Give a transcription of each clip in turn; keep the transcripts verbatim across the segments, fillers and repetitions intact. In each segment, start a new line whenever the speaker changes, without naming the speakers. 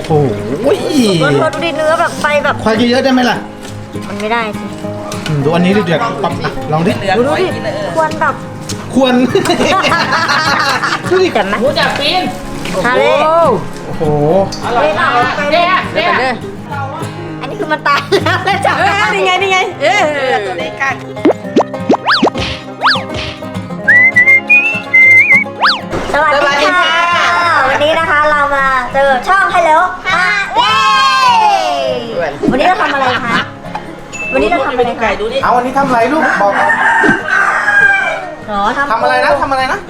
โอ้โหดู
ดูดิเนื้อแบบไปแบบ
ควายเยอะๆได้ไหมล่ะ
มันไม่ได้สิ
ดูอันนี้ดิเดือดปั๊บลองดิ
ดูดิควรแบบ
ควรดูดิ
กันนะ
หูจับปีน
ทะเล
โอ้โห
อร่อยมากเด้เด้
อันนี้คือมันตายแล้วแล้วจับ
นี่ไงนี่ไงเออตัวนี้กัน
สวัสดีค่ะวันนี้นะคะเรามาเจอช่องฮัลโหลค่ะเย้วันนี้เราทำอะไรคะวันนี้เราทำอะไรคะ
เอาวันนี้ทำอะไรลูกบอก
หรอทำ
ทำอะไรนะทำอะไรนะ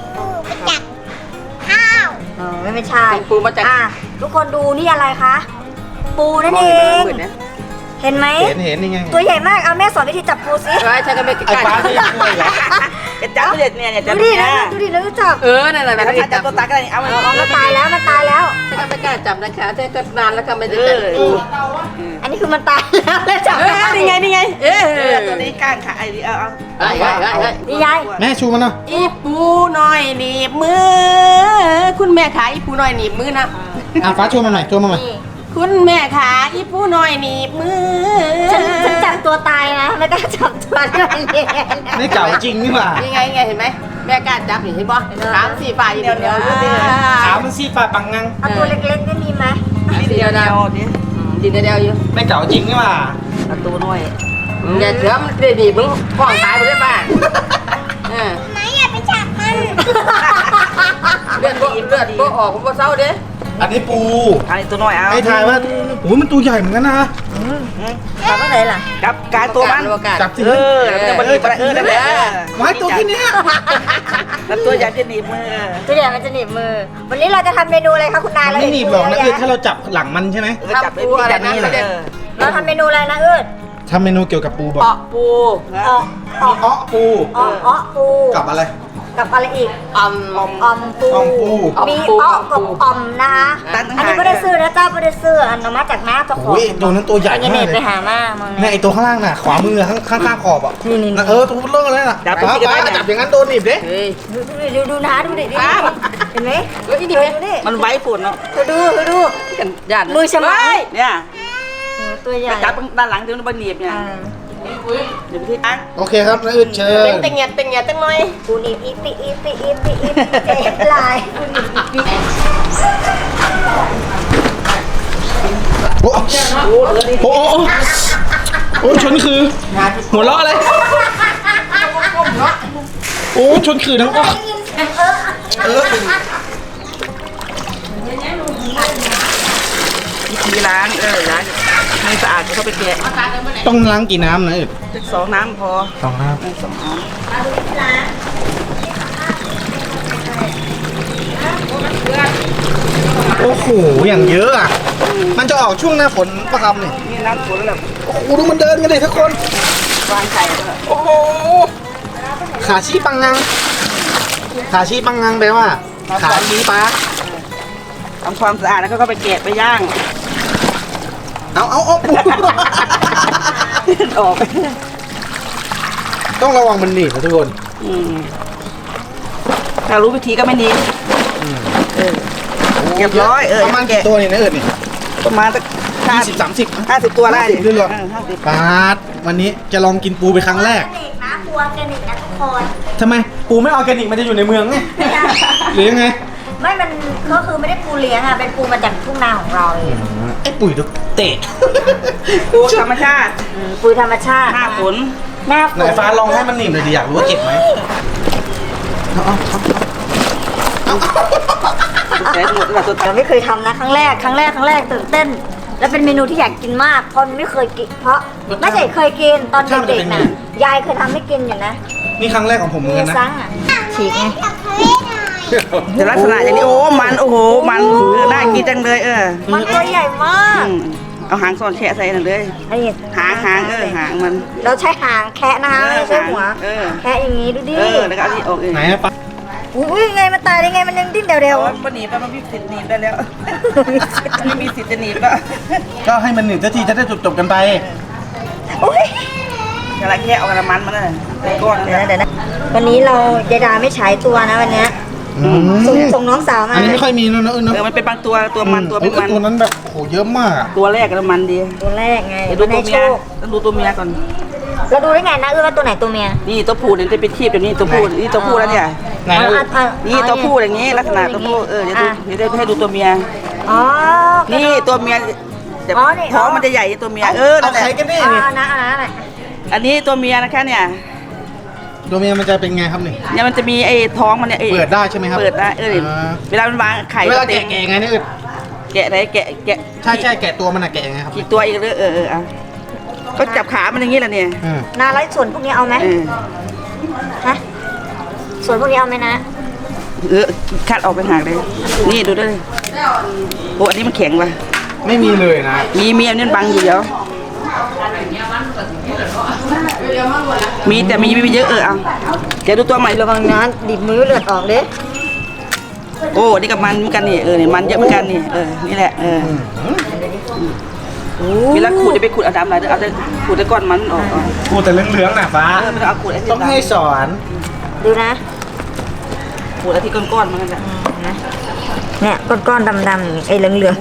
อ๋อไม่ไม่ใช่ปูมาจากอ่ะทุกคนดูนี่อะไรคะปูนั่นเองเห็นไหม
เห็นเห็นยังไง
ตัวใหญ่มากเอาแม่สอนวิธีจับปูสิ
ใช่ใช่ก็ไม่ไก่
ฟ้าที่ช่วยเหรอ
จะจับเด็ดเนี่ยจับ
ดูดินะดูดิแล้วจับ
เออนั่นแหละนะจับตัวตักอะไรเอามัน
มันตายแล้วมันตายแล้ว
ใช่ก็ไม่กล้าจับนะคะใช่ก็นานแล้วก็ไม่ได้จับปู
อันนี้คือมันตายแล้วแล้วจับ
นี่ไงนี่ไงเออตัวนี้ก้างขาไอ้เอาเอาไอ้ไอ้ไอ้
นี่ยาย
แม่ชูมันนะ
อีปูหน่อยหนีบมือคุณแม่ขายอีปูหน่อยหนีบมือนะ
อ่ะฟ้าชูมันหน่อยชูมันหน่อย
คุณแม่ขาอีปูหน่อยหนีบมือ
ฉันฉันจับตัวตายนะไม่กล้าจับตัวด้วย
นี่เก่าจริงนี่หว่า
นี่ไงไงเห็นไหมแม่กล้าจับเห็นป่ะสามสี่ฝ่ายเดียวเดียว
ขาวมันซีฟ้าปังงัง
เอาตัวเล็กๆได้มีไหม
เดียวเดียวดินเดียวอยู่
ไม่เก่าจริงนี่หว่า
ประตูด้วยอย่าเถื่อมันดีมึงฟ้องตายไปได้ป่ะ
ไหนอย่าไปจับมัน
เลือดเลือดก็ออกผมก็เศร้าเด้
อันนี้ปู
อันนี้ตัวน้อยเอา
ให้ทายว่าโอ้มันตัวใหญ่เหมือนกันนะ
จับว่าไหนล่ะ
จับการตัวมัน
จับสิ
เออจะมาหนีบเออนั่นแหละ
ไว้ตัวที่เนี้ย
แล้วตัวใหญ่จะหนีบมือ
ตัวใหญ่มันจะหนีบมือวันนี้เราจะทำเมนูอะไรคะคุณนายเรา
ไม่หนีบหรอกนะเออถ้าเราจับหลังมันใช่ไหม
จับปูอะไรนี่แหละ
เราทำเมนูอะไรนะเอิร์ด
ทำเมนูเกี่ยวกับปูบอก
เปาะปู
ออกออก
อ้อปู
อ้ออ้อปู
กับอะไร
กับอะไรอีก
อม
อมอมปูมีอ้อกับอมนะคะอันนี้ไม่ได้ซื้อนะเจ้าไม่ได้ซื้ออันนั้นมาจากน้าเจ้าของ
ตัวนั้นตัวใหญ่
มากเลยไปหามา
เนี่ยไอตัวข้างล่างน่ะขวามือข้างข้างข้างขอบอ่ะนี่เออตัวเลิกเลยน่ะจับป้าจับอย่างนั้นโดนหนีบดิ
ดูดูดูนะดูดิเห็นไหม
ดูดิมันไว้ฝุ่นเนาะ
เธอดูเธอดูมือฉมัย
เนี่ย
ตัวใหญ่
จับด้านหลังถึงมันหนีบเนี่ยเดี๋ยวพี่ตั้ง
โอเคครับแล้วอึดเชิญ
เต็งเงียเต็งเงียตั้งหน่อย
กูหนีบอีปีอีปีอีปีอีปีเจ็บลายกูหนีบอีปี
โอ้โหโอ้โหโอ้ชนคือหัวเราะอะไรโอ้ชนคือทั้งก็เออ
วิธีล้างเออล้างให้สะอาดก็ไปแกะ
ต้องล้างกี่น้ำนะอึด
สองน้ำพอ
สองน้ำ
สองน้ำ
โอ้โหอย่างเยอะอ่ะมันจะออกช่วงหน้าฝนปะครับเนี่ย
นี่น้ำฝนแล้ว
โอ้โหดูมันเดินกันเลยทุกคน
วางไข่
โอ้โหขาชี้ปังงังขาชี้ปังงังแปลว่าขาชี้ปลา
ทำความสะอาดแล้วก็ไปแกะไปย่าง
เอาเอาเอาปู
ออก
ต้องระวังมันหนีบนะทุกคน
ถ้ารู้วิธีก็ไม่หนีบเรียบร้อยเออ
ประมาณกี่ตัวนี่นะเอิญนี่
ประมาณสัก
ห้าสิบสามสิบ
ห้าสิบตัวได้
เรื่อยๆปาดวันนี้จะลองกินปูไปครั้งแรก
นะปูออร์แกนิกนะทุกคน
ทำไมปูไม่ออร์แกนิกมันจะอยู่ในเมืองไงหรือยังไง
ไม่มันก็คือไม่ได้ปูเลี้ยงอ่ะเป็นปูมาจากทุ่งนาของเราเอง
ไอ้ปุ๋ยเตะ
ปูธรรมชาติ
ปูธรรมชาติ
หน้าฝน
หน้าฝน
ไหนฟ้าลองให้มันหนีบเลยดิอยากรู้ว่าเก็บไหม
เราไม่เคยทำนะครั้งแรกครั้งแรกครั้งแรกตื่นเต้นและเป็นเมนูที่อยากกินมากเพราะไม่เคยกินเพราะไม่ใช่เคยกินตอนเด็กๆนะยายเคยทำให้กินอยู่นะ
นี่ครั้งแรกของผมเหมือนกันนะ
ฉีกไง
แต่ลักษณะอย่างนี้โอ้มันโอ้โหมันน่ากินจังเลยเออ
มันตัวใหญ่มาก
เอาหางซ่อนแฉะใส่นั่นเลยหางหางเออหางมัน
เราใช้หางแคะนะคะไม่ใช่หัวแคะอย่างนี้ดูดิ
เออแล้วก็เอาที่ออกเอง
ไหนปะ
อุ้ยไงมันตายได้ไงมันยังดิ้นเร็ว
ๆมันหนีบแล้วมันมีสิทธิ์หนีบได้แล้วไม่มีสิทธิ์จะหนีบแล้ว
ก็ให้มันหนีบสักทีจะได้จบๆกันไป
อุ้ย
กระแค่เอากระมันมันน่ะก้อน
เดี๋ยวนะเดี๋ยวนะวันนี้เราเจดาไม่ใช้ตัวนะวันนี้
อืม
ส่งส่งน้องสาวมา
อันนี้ไม่ค่อยมีแล้วนะเออ
เอ
เนาะ
อมันเป็นบางตัวตัวมันตัวเป็นมัน
ตัวนั้นแบบโหเยอะมาก
ตัวแรกก็มันดี
ตัวแรกไง
เดี๋ยวดู
มัน
ตั
ให้
วเมี
โช
ย
ค
ต้องดูตัวเมียก่อน
เราดูได้ไงนะเออว่าตัวไหนตัวเมีย
นี่ตัวผู้เนี่ยจะเป็นทีบแบบนี้ตัวผู้นี่ตัวผู้แล้วเนี่ย
ไหน
เอา
เออ
เอาเอา
นี่ตัวผู้อย่างนี้ลักษณะตัวผู้เออเดี๋ยวดู
อ่ะ
เดี๋ยวได้ให้ดูตัวเมีย
อ๋อ
นี่ตัวเมียแต่
อ๋อนี่
ท้องมันจะใหญ่ตัวเมียเออ
เอา
นั่นแหละ
ใครกันแน่
อ๋อ
เนี่ย
เอานะเอานะเอานะ
อันนี้ตัวเมียนะคะเนี่ย
ตัวเมียมันจะเป็นไงครับนี่
เนี่ยมันจะมีไอ้ท้องมันเนี่ยไอ้
เปิดได้ใช่ไหมครับ
เปิดได้เออเดี๋ยว
อ่า
เวลามันวางไข่
เวลา
ต็
แกะ
ม
แกะไงเนี่ยเออ
แกะไหนแกะแกะ
ใช่ใช่แกะตัวมันอะแกะยังไงครับ
กี่ตัวอีกเออเออเออเอาก็จับขามันอย่างนี้แหละเนี่ย
อืม
นาไล่ส่วนพวกนี้เอาไหม
เออ
ฮะส่วนพวกนี้เอาไหมนะ
เออคัดออกไปหากเลยนี่ดูด้วยโอ้อันนี้มันแข็งว่ะ
ไม่มีเลยนะ
มีมีอันนี้มันบังอยู่เดี๋ยวมีแต่มีไม่เยอะเออเอาเดี๋ยวดูตัวใหม่
ระวังนะดิบมือเลือดออกเด้
โอ้นี่กับมันเหมือนกันนี่เออนี่มันเยอะเหมือนกันนี่เออนี่แหละเออเวลาขูดจะไปขูดเอาดำอะไรเอาแต่ขูดแต่ก้อนมันออกเอา
กูแต่เหลืองๆน่ะฟ้า
เออไม่ต้องเอาขูดไอ้ที่
ต้องให้สอน
ดูนะ
ขูดไอ้ที่ก้อนๆมันนั่นแหละ
นะเนี่ยก้อนๆดำๆไอ้เหลือง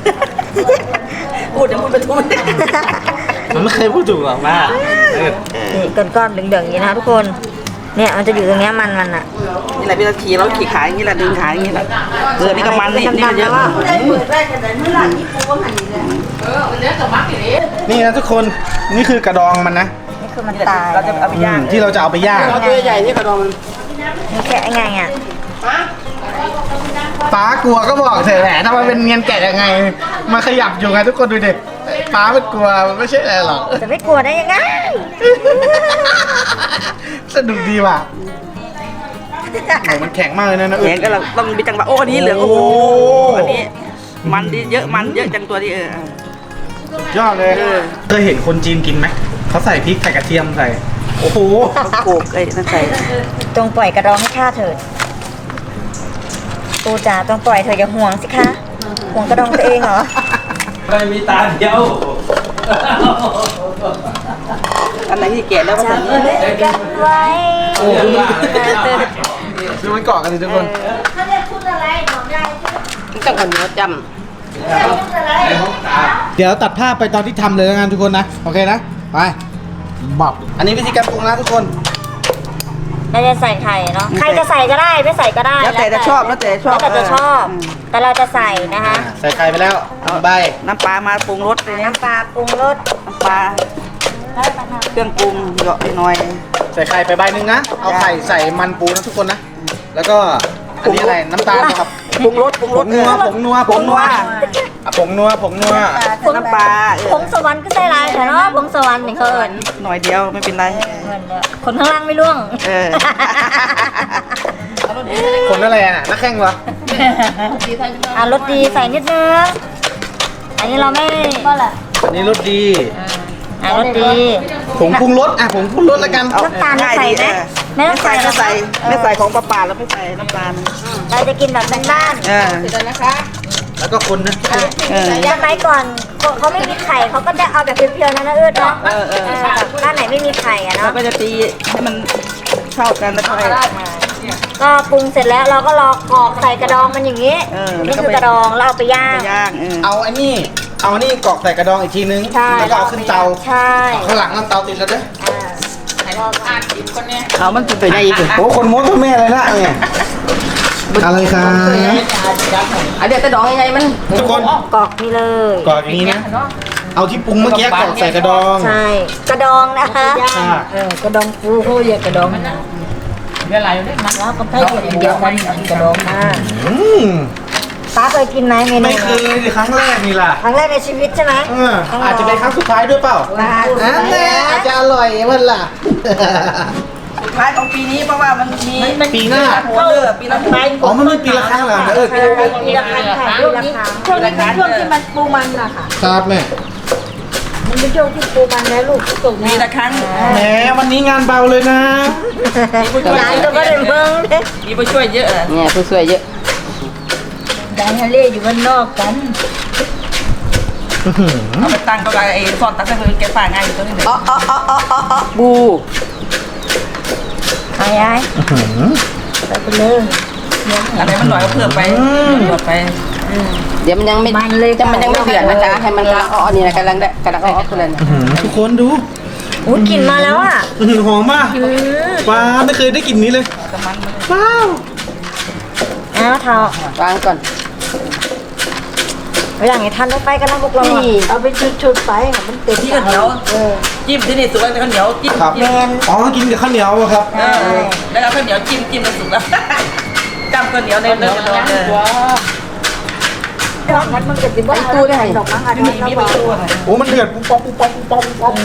พูดเดี๋ยวพูดไปทุก
มันไม่เคยพูดถูกหรอกว่าเออ
ๆนี่ก้อนๆเหลืองๆอย่างนี้นะทุกคน เนี่ยมันจะอยู่ตรงเนี้ยมันมันอ่ะ
นี่แหละเวลาขี่เราขี่ขาอย่างนี้แหละดึงขาอย่างนี้แหละเออนี่กับมันนี่นี่มันเยอะ
นี่นะทุกคนนี่คือกระดองมันนะ
นี่คือมันตาย
เราจะเอาไปย่าง
อืมที่เราจะเอาไปย่าง
ตัวใหญ่นี่กระดองมัน
นี่แค่ไงอ่ะ
ป้ากลัวก็บอกเถอะแหมถ้ามันเป็นเงียนแกะยังไงมันขยับอยู่ไงทุกคนดูดิป้ามันกลัวมันไม่ใช่อะไรหรอก
จะไม่กลัวได้ยังไง
สนุกดีว่ะโหมันแข็งมากเลยนะนะเอ
แข็
อง
ก็เราต้องมีจังหวะโอ้อันนี้เหลืองโอ้โห
โอ้
อันนี้มันดีเยอะมันเยอะจังตัวนี้เออย
อดเลย
เออ
เคยเห็นคนจีนกินไหมเขาใส่พริกใส่กระเทียมใส่โอ้โห
ต้องโขกไอ้นั่นใส่
จงปล่อยกระดองให้ข้าเถิดปูจ๋าต้องปล่อยเธออย่าห่วงสิคะห่วงกระดองตัวเองเหรอ
ไม่มีตาเดียว
อันไหนที่แกะแล้วก็ใส่นี่
กันไว้
โอ้โหดูมันเกาะกันดิทุกคน
เขาเรียกพูดอะไรบอกได้
ต้องคนเนื้อจ
เดี๋ยวตัดภาพไปตอนที่ทำเลยแล้วกันทุกคนนะโอเคนะไปบับอันนี้วิธีการปรุงนะทุกคน
เราจะใส่ไข่เนาะใครจะใส่ก็ได้ไม่ใส่ก็ได้
ำแล้วแต่จะชอบแล้วแต่ชอบ
แล้วแต่จะชอบ แต่เราจะใส่นะคะ
ใส่ไข่ไปแล้วใบ
น้ำปลามาปรุงรสเลยนะ
น้ำปลาปรุงรส
น้ำปลาเครื่องปรุงเหยาะหน่อย
ใส่ไข่ไปใบหนึ่งนะ เอาไข่ใส่มันปูนะทุกคนนะ แล้วก็อันนี้อะไรน้ำตาลนะครับ
ปรุงรสปรุง
ผ
รส
งนัวผงนัวผงนัวอ่ะผงนัวผงนัว
น้ำปลาเอ
ผ
อง
สวรรค์ก็ใส่ลายแต่เนาะผงสวรรค์เนี่ยเขาเอิญ
หน่อยเดียวไม่เป็นไร
คนข้างล่างไม่ร่วง
เออ
คนอะไรอ่ะนักแข่งเหรอ
อ่ะรสดีใส่นิดนึงอันนี้เราไม่ก็แหละ
อันนี้รสดี
อ่ะรสดี
ผงปรุงรสอ่ะผงปรุงรสแล้วกัน
เอา
น้ำตาล
ง่าย
ใส่
ดี
ไหม
เออ
ไม่ต้องใส่
ไม่ใส่
นะคะ
ไม่ใส่ของปลาป่าแล้วไม่ใส่น้ำตาล
เราจะกินแบบบ้าน
เออ
แล้วก็คนนะ
เออ
ๆสมัยก่อนเขาเขาไม่มีไข่เขาก็จะเอาแบบเพียวๆนะนะเอื้อเนาะ
เออเออ
บ้านไหนไม่มีไข่อะ
แล้ว
เนาะ
ก็จะตีให้มันเข้ากันแล้วค่อย
ก็ปรุงเสร็จแล้วเราก็รอกรอกใส่กระดองมันอย่างนี้
เออ
นี่คือกระดองเราเอาไปย่าง
ไปย่างเออ
เอาอันนี้ เอาอันนี้กรอกใส่กระดองอีกทีนึง
ใช่
แล้วก็เอาขึ้นเตา
ใช่
ข้างหลังน้ำเตาติดแล้วเด้อ
เอามันเป็นไปได้อีก
โอ้คนมดทั้งแม่เลยนะเนี่ยอะไรครับ
อันเดียวแต่ดองยังไงมัน
ทุกคน
กรอกนี่เลย
กรอกอย่างนี้นะ เอาที่ปรุงเมื่อกี้กรอกใส่กระดอง
ใช่กระดองนะคะ
อ่า
เออกระดองปูเขาเรียกกระดองเวลาอยู่ได้มันแล้วก็ให้เดียวกันกระดองอ่า
อืม
ป้าเคยกินไหมเมนู
ไม่เคยดิครั้งแรกนี่ล่ะ
ครั้งแรกในชีวิตใช่ไหม
เอออาจจะเป็นครั้งสุดท้ายด้วยเปล่า
ป้า
อันนี้อาจจะอร่อยมันล่ะ
สุดท้ายของปีนี้เพราะว่ามันมี
ปีหน้า
หัวเรือปีละครั้ง
อ๋อมันมีปีละครั้งเหรอเออ
มีราคาค่ะมีราคา
ช่วงนี้เป็นช่วงที่มัน
ครับแม่
มันเป็นช่วงที่ปูมันแล้วลูกส่ง
ปีละครั้ง
แหมวันนี้งานเบาเลยนะ
ร้านก็ไม่ได้เมืองเลย
มีผู้ช่วยเยอะเนี่ยผู้ช่วยเยอะ
ร้านทะเลอยู่บ้านนอกกัน
เอาไปตั้งก็ได้ไอ้ซอนตั้งแต่คือแกฝ่าง่ายอยู่ตัวนี้เลยอ๋ออ๋ออ๋ออ๋อบู
ไอ้ไอ้ไปไปเลย
อะไรมันหน่อยก็เพิ่มไปหยดไป
เดี๋ยวมันยังไม่
มันเลย
จะมันยังไม่เดือดนะคะ ให้มันกำลังอ่อนนี่นะกำลังได้กำลังอ่อนๆเลยนะ
อื้อหือทุกคนดู
อุ้ยกลิ่นมาแล้วอ่ะ
อื้อหือหอมมากว้าไม่เคยได้กลิ่นนี้เลยว้าว
อ้าวเท้าว
างก่อน
เวลาไงทันได้ไปกันนะพวกเราอะ
นี่
เอาไปชุดๆไปค่ะมันเต็ม
ที่ข้าวเหนียวจิ้มที่นี่สุกแล้วข้าวเหนียวจิ้ม
ครับ
จิ้ม
อ๋อกินกับข้าวเหนียวอะครับ
เออแล้วเอาข้าวเหนียวจิ้มจิ้มแล้วสุกแล้วจำข้าวเหนียวในเนื้อกระดองเลย
ดอกมันมันเกิดสิบว่าตู้ได้ดอกมั้งอันนี้
มีมี
เรา
ประตูหน่อย
โอ้มันเดือดปุ๊บป๊บปุ๊บป๊บปุ๊บป๊บปุ๊บป๊บ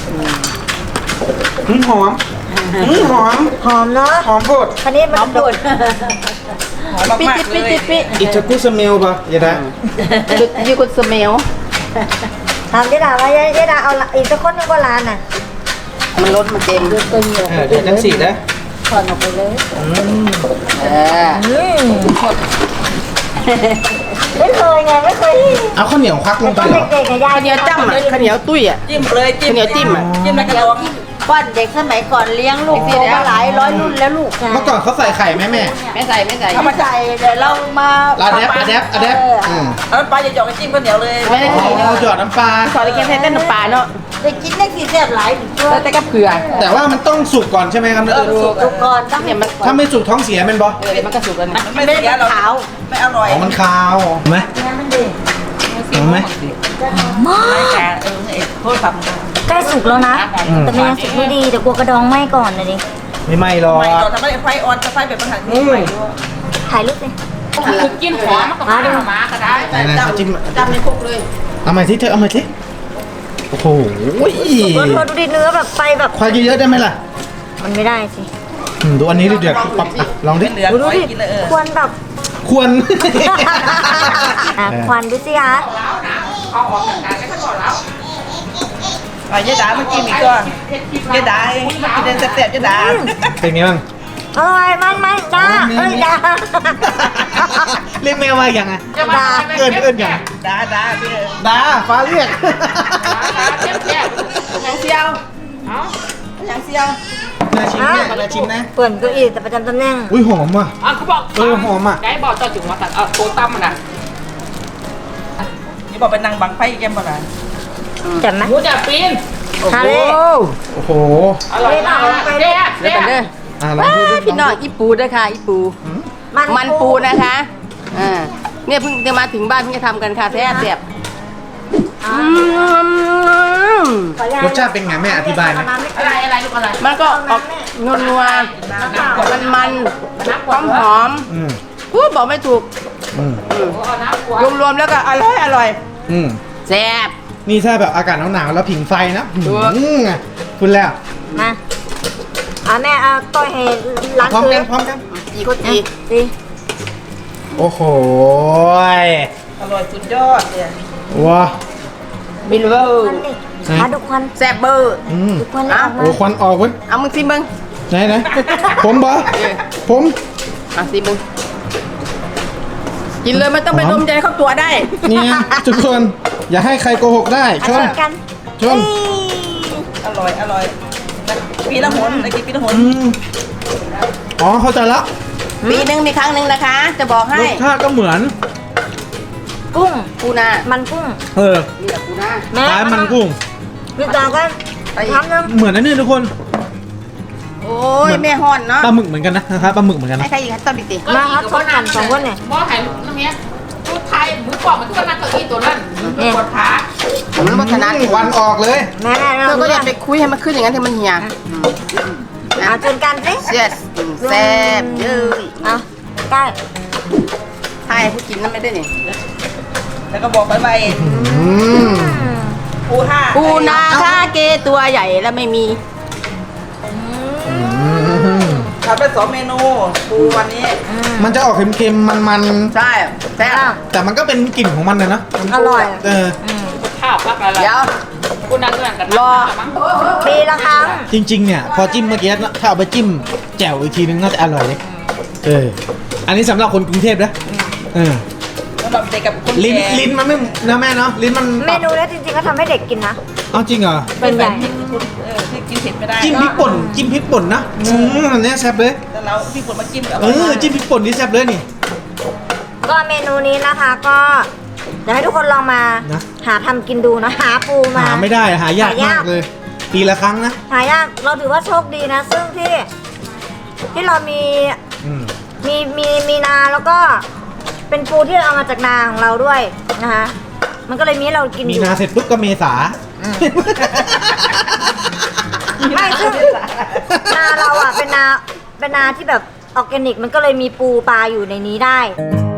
อืมหอมอืมหอม
หอมเนาะ
หอมโพด
คันนี้มันโดด
หอมมากๆเลย
อิตากุสเมลปะยายดา
จุดยูกุสเมล
ถามเจ๊ดาว่ายายเจ๊ดาเอาอีกสักคนหนึงก็ร้านน่ะ
มันลดมันเต็ม
ตัวเหนียว
เออเดี๋ยวจังสีนะ
ถอนออกไปเลย
เออ
อืมไม่เคยไงไม่เคย
เอาข้าวเหนียวควักลงไป
ตอน
เหรอ
เด็กๆไงยาย
ข้าวเหนียวจ้ำอ่ะข้าวเหนียวตุ้ยอ่ะ
จิ้มเลยจิ้ม
ข้าวเหนียวจิ้มอะ
จิ้มในกระดอง
ป้อนเด็กสมัยก่อนเลี้ยงลูกโตมาหลายร้อยรุ่นแล้วลูก
เมื่อก่อนเขาใส่ไข่ไหมแม่
ไม่ใส่ไม่ใส่
เอามาใส่เดี๋ยวเรามา
อะแดปอะแดปอะแดปอืม
เอาน้ำปลาหยอกๆไปจิ้มข้าวเหนียวเลย
ไม่ได้
อ๋
กิน
อหยอดน้ำปลา
ขอได้กินแค่เต้นน้ำปลาเนาะ
ได้กินได้กี่แซ่บหลายถึงเพื่อ
แล้วแต่ก็เผื่อ
แต่ว่ามันต้องสุกก่อนใช่ไหมครับ
เออสุก
ทุกคนต้อง
เนี่ยมัน
ถ้าไม่สุกท้องเสียเป็นบอ
เออเดี๋ยวมันก็สุกแล้วนะ
มันไม่เสียหรอกไม่อร่อย
อ๋อมันคาวเห็นไหม
มันดี
เห็นไหม
มา
ไม่
ก
แก่เออเอ็ดโทษครับ
ใกล้สุกแล้วนะ แต่มันยังสุกไม่ดีแต่กลัวกระดองไหม้ก่อนนะดิ
ไม่ไหม้หรอก
ไม่เราทำให้ไฟออนไฟแบบมันหันที่ใหม่ด้วย
ถ่ายรูปสิ
คือกินหอมมันก็
มาดู
มาก็ได้
ไหนๆเอาจิ้ม
จำในคุกเลย
เอาใหม่สิเธอเอาใหม่สิโอ้โห
เธอดูดิเนื้อแบบไปแบบ
ควายเยอะๆได้ไหมล่ะ
มันไม่ได้สิ
อืมดูอันนี้ดิเดือดปั๊บอ่ะลองดิ
เหลือ
ดูดู
ไว้
ดิ
กินเลยเออ
ควรแบบ
ควร
อ่ะควันดูสิคะ
อ่ะยายดามากินอีกก่อนยายดาเองมากินเดินแซ่บๆยายดา
เป็นไงบ้าง
อร่อยมันมันจ้าเอ้ยจ้า
เรียกแมวมาอย่างไง
จ้า
เอิญเอิญอย่าง
ดาดาพี่เออ
ดาฟ้าเรียก
ยังเชียวยังเชียว
นาชิมเนี่ยนาชิมนะ
เปิ่นเก็อีแต่ประจำตำแหน่ง
อุ้ยหอมว่ะ
อ่ะเขาบอก
เออหอมอ่ะ
ได้บอกเจ้าจุ๋มมาตัดเอาโคตั้มมันอ่ะ
นี่บอกเป็นนางบังไฟแกมบ่ล่ะ
จับไหม
หมูจะปีน
ทาเล่
โอ้โห
อร่อยมาก
ไป
เจ๊
เดี๋ยวกันเด้อ
อ่ะลองดูดิ
พี่น้องอีปูด้วยค่ะอีปู มันปูนะคะอ่าเนี่ยเพิ่งจะมาถึงบ้านเพิ่งจะทำกันค่ะแท้เสียบอืม
รสชาติเป็นไงแม่อธิบายไหม
อะไรอะไรลูกอะไร
มันก็ออกนัวนัวมันมันหอมหอม
อืม
ๆอู้บอกไม่ถูก
อืม
เอาน้ำขวด
รวมๆแล้วก็อร่อยอร่อย
อืม
แซ่บ
นี่ถ้าแบบอากาศหนาวๆแล้วผิงไฟนะ
ถูก
อืมคุณแล้ว
มาอ่ะแม่เอาต้อยให้ล้าง
พร้อม
คื
กัน
น
พร้อมกัน
อีกคนอีก
สิ
โอ้โห
อร่อยสุดยอดเนี่ย
ว้า
บิลเวอร์
ควันดิมาดูควัน
แซ่บเบอร์
อืม
ดูควันเลยออกมา
โอ้ควันออกเว้ย
เอามึงสิมึง
ไหนไหนผมบอผม
อ่ะสิมึงกินเลยไม่ต้องไป
หอม
ดมใจเข้าตัวได้
เนี่ยทุกคนอย่าให้ใครโกหกได้ช
อ่ะ
น
ชนกัน
ชน
อร่อยอร่อยปีละหนไอ้กินปีละหน
อืมอ๋อเข้าใจละ
ปีหนึ่งมีครั้งหนึ่งนะคะ จะบอก
ร
ให้
สชาติก็เหมือน
กุ้ง
ปูนา
มันกุ้ง
เออ
นี่แหละปูนา
แม่
คล้ายมันกุ้ง
พี่ตากันทำน้ำ
เหมือนอันนี้ทุกคน
โอ้ยแม่ฮอนเนาะ
ปลาหมึกเหมือนกันนะนะครับปลาหมึกเหมือนกัน
ให้
นะ
ใครอีกให้ต้นอีกที
มาครับชนกันสองคนเนี่ย
หม้อไข่น้ำเนี้ยชุดไทยหมูกรอบมันทุกนั่งเก้าอี้ตัวนั้นปวดขา
มันวัฒนธรรม
ควันออกเลย
แม่แม่
เธอก็อย่าไปคุยให้มันขึ้นอย่างนั้นที่มันเหี่ย
เอาชนกันสิ
เสียสแซ่บเยอะ
เอาใกล้
ใช่ผู้กินนั่นไม่ได้นี่
แล้วก็บอกไปไป
อืม
ปูห้า
ปูนาคาเกตัวใหญ่แล้วไม่มี
อืม
ทำไปสองเมนูปูวันนี้
มันจะออกเค็มๆมัน
ใช่แซ่บ
ๆแต่มันก็เป็นกลิ่นของมันเลยนะ
อร่อย
เออ
ข้าวพักอะไร
เดี๋ยว
คุณนั่งนั่งกัน
รอ
มั้ง
ปีละครั้ง
จริงๆเนี่ยพอจิ้มเมื่อกี้นะถ้าเอาไปจิ้มแจ่วอีกทีนึงน่าจะอร่อยเลยเออ อันนี้สำหรับคนกรุงเทพนะเออ
ำหรับเด็กกับคน
ลิ้น
แก่
ลิ้นมันไม่นะแม่เนาะลิ้นมัน
เมนูเนี้ยจริงๆก็ทำให้เด็กกินนะ
เอาจริงเหรอ
เป็นใหญ่
ที่คนเออที่กินเผ็ดไม่ได้
จิ้มพริกป่นจิ้มพริกป่นนะอืมอันเนี้ยแซ่บเลย
แล้วเราพี่คนมาจิ้มกับ
เออจิ้มพริกป่นนี่แซ่บเลยนี่
ก็เมนูนี้นะคะก็เดี๋ยวให้ทุกคนลองมา
นะ
หาทำกินดูนะหาปูมา
หาไม่ได้หายากมากเลย ปีละครั้งนะ
หายากเราถือว่าโชคดีนะ ซึ่งที่ที่เรามี
อืม
มีมีมีนาแล้วก็เป็นปูที่เอามาจากนาของเราด้วยนะคะมันก็เลยมีให้เรากินอ
มี
ยู่
นาเสร็จปุ๊บก็เมษา
ไม่ซึ่งนาเราอ่ะเป็นนาเป็นนาที่แบบออร์แกนิกมันก็เลยมีปูปลาอยู่ในนี้ได้